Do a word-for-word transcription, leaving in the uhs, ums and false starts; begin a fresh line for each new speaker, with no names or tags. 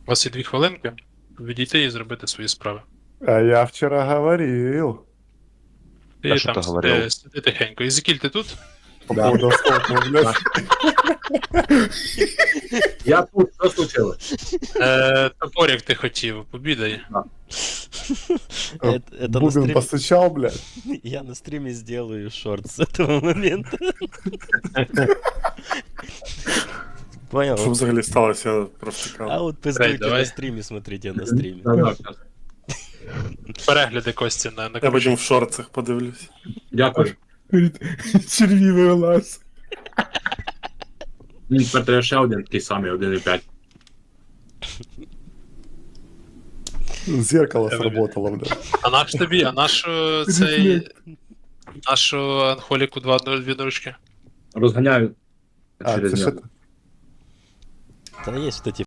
У вас є дві хвилинки, відійти і зробити свої справи.
А я вчера говорил.
Ти
А що
там
ти говорив?
сиди, сиди тихенько. Ізекіль, ти тут?
По поводу столкнул, блядь.
Я тут, що случилось?
Е, топорик ти хотів, побідай.
Это, это на
Бубен
стриме...
постучал, блядь.
Я на стриме сделаю шорт с этого момента. Понял?
Що взагалі сталося, я просто
А
цікаво.
вот пиздуйте
давай.
на стриме, смотрите на стриме.
Да, да, щас.
Перегляди Кості на, на
Я потім в шорцах подивлюсь.
Дякую.
Черви вылаз.
Він тепер треба ще один такий самий, один і п'ять.
Зеркало сработало, блядь.
А наш тобі, а наш е, цей... Нашу Анхоліку два дві дорожки.
Розганяю
А,
через
це
нього.
що?
Да есть вот эти